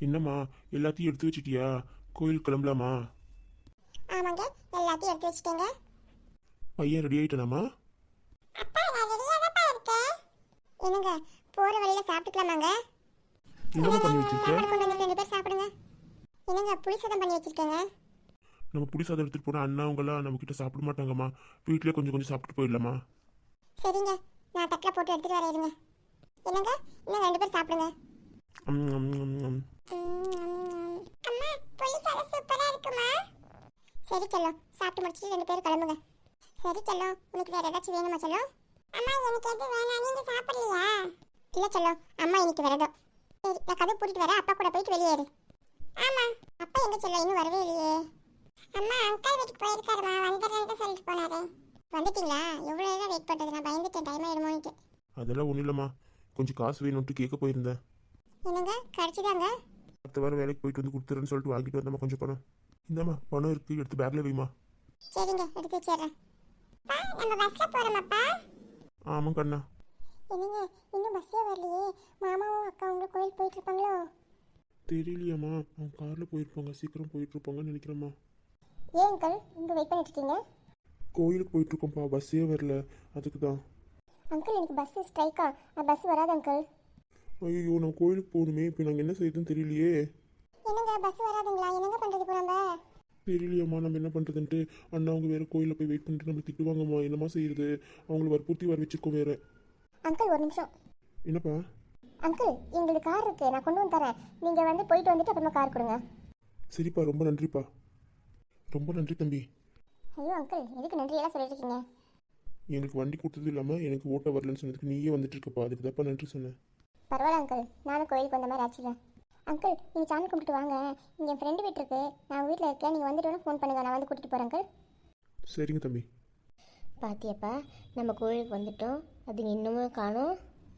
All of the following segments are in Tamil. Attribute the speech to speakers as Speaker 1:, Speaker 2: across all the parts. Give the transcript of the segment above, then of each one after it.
Speaker 1: என்னம்மா, எல்லாத்தையும் எடுத்து வச்சிட்டியா? கோயில் கிளம்பலாமா?
Speaker 2: ஆமாங்க, எல்லாத்தையும் எடுத்து வச்சிட்டேங்க.
Speaker 1: பையன் ரெடி ஆயிட்டானாமா?
Speaker 2: அப்பா நான் ரெடியா தான் இருக்கேன். என்னங்க, போற வழியில சாப்பிட்டுக்கலாமாங்க?
Speaker 1: என்னம்மா பண்ணி வச்சிருக்க?
Speaker 2: கொண்டு வந்து 2 பேர் சாப்பிடுங்க. என்னங்க, புளி சாதம் பண்ணி வச்சிருக்கேங்க.
Speaker 1: நம்ம புளி சாதம் எடுத்துட்டு போனா அண்ணா அவங்களாம் நம்ம கிட்ட சாப்பிட மாட்டாங்கம்மா. வீட்லயே கொஞ்சம் கொஞ்சம் சாப்பிட்டு போயிடலாமா?
Speaker 2: சரிங்க, நான் தட்டில் போட்டு எடுத்துட்டு வரேன் இருங்க. என்னங்க, இன்னும் 2 பேர் சாப்பிடுங்க.
Speaker 1: ம், ம், ம், ம்.
Speaker 2: அம்மா, புளி சாதம் சூப்பரா இருக்குமா? சரி செல்லம், சாப்பிட்டு முடிச்சிட்டு 2 பேரும் கிளம்புங்க. சரி செல்லம், உனக்கு வேற ஏதாச்சும் வேணுமா செல்லம்? அம்மா எனக்கு எது வேணாம், நீங்க சாப்பிடலையா? இல்ல செல்லம், அம்மா இன்னைக்கு விரதம். சரி, நான் கதை பூட்டிட்டு வரேன், அப்பா கூட போயிட்டு வெளியேறு. ஆமா, அப்பா எங்க செல்லம் இன்னும் வரவே இல்லையே? அம்மா அங்கிள் வீட்டுக்கு போயிருக்காருமா, வந்துடுறேன்னு சொல்லிட்டு போனாரு. வந்துட்டீங்களா? எவ்வளோ நேரம் வெயிட் பண்ணுறது? நான் பயந்துட்டேன் டைம் ஆயிடுமோன்ட்டு.
Speaker 1: அதெல்லாம் ஒன்றும் இல்லைம்மா, கொஞ்சம் காசு வேணும்ட்டு கேட்க போயிருந்தேன்.
Speaker 2: என்னங்க, கிடைச்சிதாங்க?
Speaker 1: அடுத்த வாரம் வேலைக்கு போயிட்டு வந்து கொடுத்துறேன்னு சொல்லிட்டு வாங்கிட்டு வந்தம்மா கொஞ்சம் பணம். இந்தாம்மா பணம் இருக்கு, எடுத்து பேக்ல வைமா.
Speaker 2: சரிங்க, எடுத்து வச்சிடுறேன். நம்ம பஸ்ல போறோமாப்பா?
Speaker 1: ஆமாம் கண்ணா.
Speaker 2: என்னங்க, இன்னும் பஸ்ஸே வரலையே. மாமாவும் அக்காவும் கோயில் போயிட்டு இருப்பாங்களோ?
Speaker 1: தெரியலையாம்மா, அவங்க காரில் போயிருப்பாங்க, சீக்கிரம் போயிட்டு இருப்பாங்கன்னு நினைக்கிறேம்மா.
Speaker 2: ஏன் அங்கிள் இங்கே வெயிட் பண்ணிட்டு இருக்கீங்க?
Speaker 1: கோயிலுக்கு போயிட்டு இருக்கோம்ப்பா, பஸ்ஸே வரல, அதுக்கு தான்.
Speaker 2: அங்கிள் எனக்கு பஸ் ஸ்ட்ரைக்கா? பஸ் வராது அங்கிள்.
Speaker 1: ஐயோ, நம்ம கோயிலுக்கு போகணுமே, இப்போ நாங்கள் என்ன செய்யுதுன்னு தெரியலையே.
Speaker 2: என்னங்க, பஸ் வராதுங்களா? என்னங்க பண்ணுறது இப்போ நம்ம?
Speaker 1: தெரியலையாம்மா, நம்ம என்ன பண்ணுறதுன்ட்டு. அண்ணா அவங்க வேறு கோயிலில் போய் வெயிட் பண்ணிட்டு நம்மளை திட்டுவாங்கம்மா, என்னம்மா செய்யுது. அவங்கள வற்புறுத்தி வர வச்சுருக்கோம் வேறு.
Speaker 2: அங்கிள் ஒரு நிமிஷம். என்னப்பா? அங்கிள், எங்களுக்கு கார் இருக்கு, நான் கொண்டு வந்து தரேன். நீங்கள் வந்து போயிட்டு வந்துட்டு அப்புறமா கார் கொடுங்க.
Speaker 1: சரிப்பா, ரொம்ப நன்றிப்பா. ரொம்ப நன்றி தம்பி.
Speaker 2: ஐயோ அங்கிள், எதுக்கு நன்றியெல்லாம் சொல்லிட்டு இருக்கீங்க?
Speaker 1: எனக்கு வண்டி கொடுத்தது இல்லாமல் எனக்கு ஓட்ட வரலன்னு சொன்னதுக்கு நீயே வந்துட்டு இருக்கப்பா, அதுக்கு தான்ப்பா நன்றி சொன்னேன்.
Speaker 2: பரவாயில்ல அங்கிள், நானும் கோயிலுக்கு வந்த மாதிரி ஆச்சுங்க. அங்கிள், நீங்கள் சாமி கும்பிட்டு வாங்க. இங்கே என் ஃப்ரெண்டு வீட்டு இருக்கு, நான் வீட்டில் இருக்கேன். நீங்கள் வந்துட்டு ஃபோன் பண்ணுங்க, நான் வந்து கூட்டிகிட்டு போகிறேன் அங்கிள்.
Speaker 1: சரிங்க தம்பி.
Speaker 2: பாத்தியப்பா, நம்ம கோயிலுக்கு வந்துட்டோம், அதுங்க இன்னமும் காணோம்.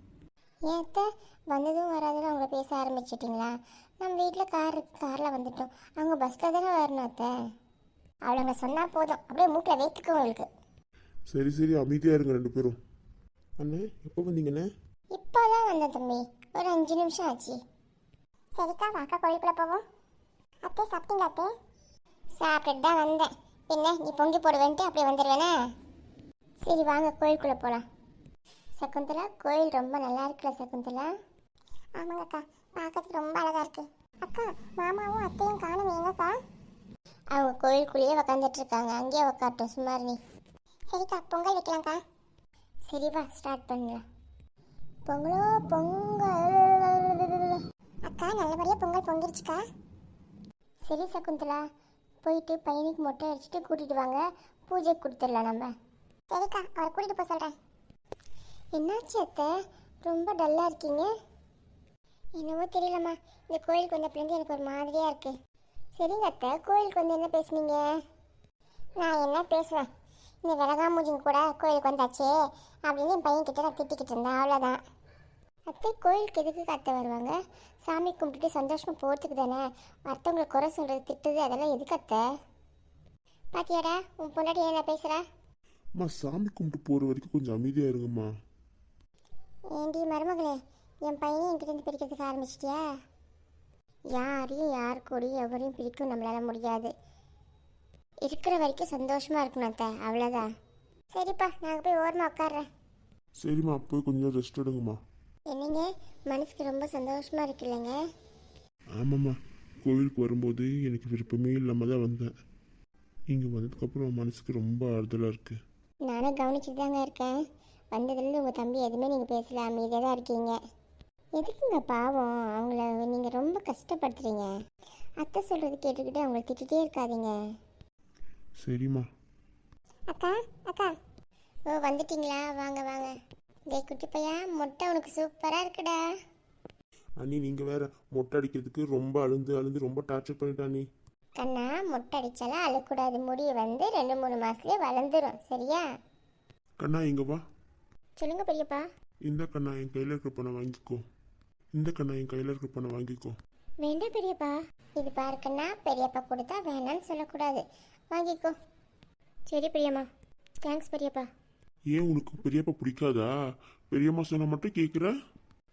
Speaker 2: ஏத்த வந்ததும் வராதுன்னு அவங்கள பேச ஆரம்பிச்சிட்டிங்களா? நம்ம வீட்டில் கார் இருக்கு, காரில் வந்துட்டோம். அவங்க பஸ்ஸில் தானே வரணும் அத்தை. அவளுங்க சொன்னால் போதும், அப்படியே மூக்கில் வைத்துக்கு உங்களுக்கு.
Speaker 1: சரி சரி, அமைதியாக இருங்க ரெண்டு பேரும். அண்ணே, எப்போ வந்தீங்கண்ணே?
Speaker 2: இப்போ தான் வந்தேன் தம்பி, ஒரு 5 நிமிஷம் ஆச்சு. சரிக்கா, வாக்கா கோயிலுக்குள்ளே போவோம். அத்தை சாப்பிட்டீங்களா அத்தை? சாப்பிட்டுட்டு தான் வந்தேன். பின்ன நீ பொங்கி போடுவேன்ட்டு அப்படியே வந்துடுவேனே. சரி வாங்க கோயிலுக்குள்ளே போகலாம். சகுந்தலா, கோயில் ரொம்ப நல்லா இருக்குல்ல சகுந்தலா? ஆமாங்கக்கா, பார்க்கறதுக்கு ரொம்ப அழகாக இருக்கு. அக்கா, மாமாவும் அத்தையும் காணும் எங்கக்கா? அவங்க கோயிலுக்குள்ளேயே உக்காந்துட்டு இருக்காங்க, அங்கேயே உக்காட்டும், சும்மா நீ. சரிக்கா, பொங்கல் வைக்கலாம்க்கா. சரி வா, ஸ்டார்ட் பண்ணலாம். பொங்கலோ பொங்கல். அக்கா, நல்லபடியாக பொங்கல் பொங்கிருச்சுக்கா. சரி சகுந்தலா, போயிட்டு பையனுக்கு மொட்டை அடிச்சுட்டு கூட்டிகிட்டு வாங்க, பூஜை கொடுத்துடலாம் நம்ம. சரிக்கா, அவரை கூட்டிகிட்டு போக சொல்கிறேன். என்னாச்சு அத்தை, ரொம்ப டல்லாக இருக்கீங்க? என்னவோ தெரியலம்மா, இந்த கோயிலுக்கு வந்தப்பலேருந்து எனக்கு ஒரு மாதிரியாக இருக்குது. சரிங்க அத்தை, கோயிலுக்கு வந்து என்ன பேசுனீங்க? நான் என்ன பேசுவேன், இந்த விலகாமூஜிங்க கூட கோயிலுக்கு வந்தாச்சே அப்படின்னு என் பையன்கிட்ட நான் திட்டிக்கிட்டு இருந்தேன், அவ்வளோதான். அத்தை, கோயிலுக்கு எதுக்கு அத்தை வருவாங்க? சாமி கும்பிட்டுட்டு சந்தோஷமாக போகிறதுக்கு தானே. அடுத்தவங்களை குறை சொல்கிறது, திட்டுது, அதெல்லாம் எதுக்கு அத்தை? பாத்தியாடா, உன் பொண்டாட்டி என்ன பேசுகிறா?
Speaker 1: அம்மா, சாமி கும்பிட்டு போகிற வரைக்கும் கொஞ்சம் அமைதியாக இருங்கம்மா.
Speaker 2: ஏண்டி மருமகளே, என் பையனை என்கிட்ட பிரிக்கிறதுக்கு ஆரம்பிச்சிட்டியா? யாரையும் யார் கூடயும் எவரையும் பிரிக்கும் நம்மளால முடியாது. இருக்கிற வரைக்கும் சந்தோஷமாக இருக்கணும் அத்தை, அவ்வளோதான். சரிப்பா, நாங்கள் போய் ஓரமாக உட்காடுறேன்.
Speaker 1: சரிம்மா, போய் கொஞ்சம் ரெஸ்ட் எடுங்கம்மா.
Speaker 2: என்னங்க, மனசுக்கு ரொம்ப சந்தோஷமாக இருக்கு இல்லைங்க?
Speaker 1: ஆமாம்மா, கோவிலுக்கு வரும்போது எனக்கு விருப்பமே இல்லாமல் தான் வந்தேன். இங்கே வந்ததுக்கப்புறம் மனசுக்கு ரொம்ப ஆறுதலாக இருக்குது.
Speaker 2: நானும் கவனிச்சுட்டு தாங்க இருக்கேன். வந்ததுலேருந்து உங்கள் தம்பி எதுவுமே நீங்கள் பேசல, அமைதியாக தான் இருக்கீங்க. எதுக்குங்க பாவம், அவங்கள நீங்கள் ரொம்ப கஷ்டப்படுத்துறீங்க. அத்தை சொல்கிறது கேட்டுக்கிட்டு அவங்கள திட்டிகிட்டே இருக்காதீங்க.
Speaker 1: சரிம்மா.
Speaker 2: அக்கா, அக்கா, ஓ வந்துட்டீங்களா? வாங்க வாங்க. டே குட்டி பையா, மொட்டை உனக்கு சூப்பராக இருக்குடா.
Speaker 1: அண்ணி, நீங்கள் வேற மொட்டை அடிக்கிறதுக்கு ரொம்ப அழுந்து ரொம்ப டார்ச்சர் பண்ணிட்டா அண்ணி.
Speaker 2: கண்ணா, மொட்டை அடிச்சாலாம் அழக்கூடாது, முடி வந்து 2-3 மாதத்துலேயே வளர்ந்துடும், சரியா?
Speaker 1: கண்ணா, இங்கே வா.
Speaker 2: சொல்லுங்க பெரியப்பா.
Speaker 1: இந்த கண்ணா, என் கையில் இருக்கிற பணம் வாங்கிக்கோ. இந்த கண்ணா, என் கையில் இருக்கிற பணம் வாங்கிக்கோ.
Speaker 2: வேண்டாம் பெரியப்பா. இது பாருக்கண்ணா, பெரியப்பா கொடுத்தா வேணான்னு சொல்லக்கூடாது, வாங்கிக்கோ. சரி பெரியம்மா, தேங்க்ஸ் பெரியப்பா.
Speaker 1: ஏன் உனக்கு பெரியப்பா பிடிக்காதா? பெரியம்மா சொன்ன மட்டும் கேட்குற?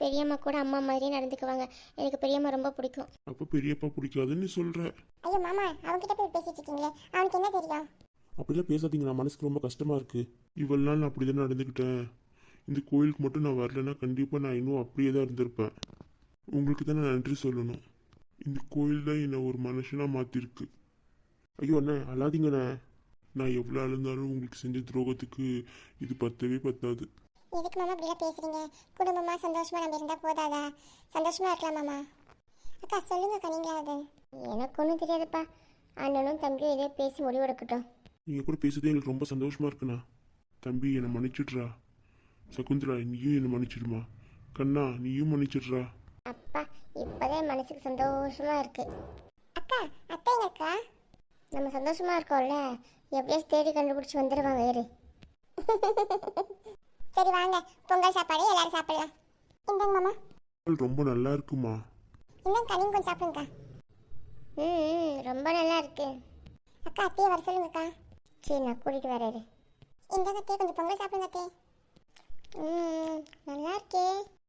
Speaker 2: பெரியம்மா கூட அம்மா மாதிரியே நடந்துக்குவாங்க. எனக்கு பெரியம்மா ரொம்ப பிடிக்கும்.
Speaker 1: அப்போ பெரியப்பா பிடிக்காதுன்னு சொல்கிற?
Speaker 2: ஐயோ மாமா, அவன்கிட்ட போய் பேசிட்டு இருக்கீங்களே, அவனுக்கு என்ன தெரியும்?
Speaker 1: அப்படிலாம் பேசாதீங்க, நான் மனசுக்கு ரொம்ப கஷ்டமாக இருக்குது. இவ்வளோ நாள் நான் அப்படி தானே நடந்துக்கிட்டேன். இந்த கோயிலுக்கு மட்டும் நான் வரலைன்னா கண்டிப்பாக நான் இன்னும் அப்படியே தான் இருந்திருப்பேன். உங்களுக்கு தான் நான் நன்றி சொல்லணும். இந்த கோயில் தான் என்னை ஒரு மனுஷனாக மாற்றிருக்கு. ஐயோ அண்ணே, அழாதீங்கண்ணே. நான் எவ்வளோ அழுந்தாலும் உங்களுக்கு செஞ்ச துரோகத்துக்கு இது பத்தவே பத்தாது.
Speaker 2: எதுக்கு மாமா இப்படிலாம் பேசுறீங்க? குடும்பமா சந்தோஷமா நம்ம இருந்தா போதாதா? சந்தோஷமா இருக்கலாம் மாமா. அக்கா சொல்லுங்கக்கா, நீங்களா அது? எனக்கு ஒன்றும் தெரியாதுப்பா. அண்ணனும் தம்பியும் இதே பேசி முடிவெடுக்கட்டும்.
Speaker 1: நீங்கள் கூட பேசுறதே எங்களுக்கு ரொம்ப சந்தோஷமாக இருக்குண்ணா. தம்பி என்னை மன்னிச்சிட்றா. சகுந்தலா நீயும் என்னை மன்னிச்சிடுமா. கண்ணா நீயும் மன்னிச்சிட்றா.
Speaker 2: அப்பா, இப்போதான் மனசுக்கு சந்தோஷமா இருக்கு. அக்கா, அத்தை எங்க அக்கா? நம்ம சந்தோஷமா இருக்கோம்ல, எப்படியாச்சும் தேடி கண்டுபிடிச்சி வந்துடுவாங்க. ஏறு. சரி வாங்க, பொங்கல் சாப்பாடு எல்லாரும் சாப்பிடலாம். இந்தாங்க மாமா.
Speaker 1: ரொம்ப நல்லா இருக்குமா.
Speaker 2: இந்தாங்க நீங்க கொஞ்சம் சாப்பிடுங்கக்கா. ரொம்ப நல்லா இருக்கு. அக்கா அத்தையை வர சொல்லுங்கக்கா. சரி நான் கூட்டிட்டு வரேன். இந்தாங்க அத்தையை கொஞ்சம் பொங்கல் சாப்பிடுங்க அத்தையை. நல்லா இருக்கே.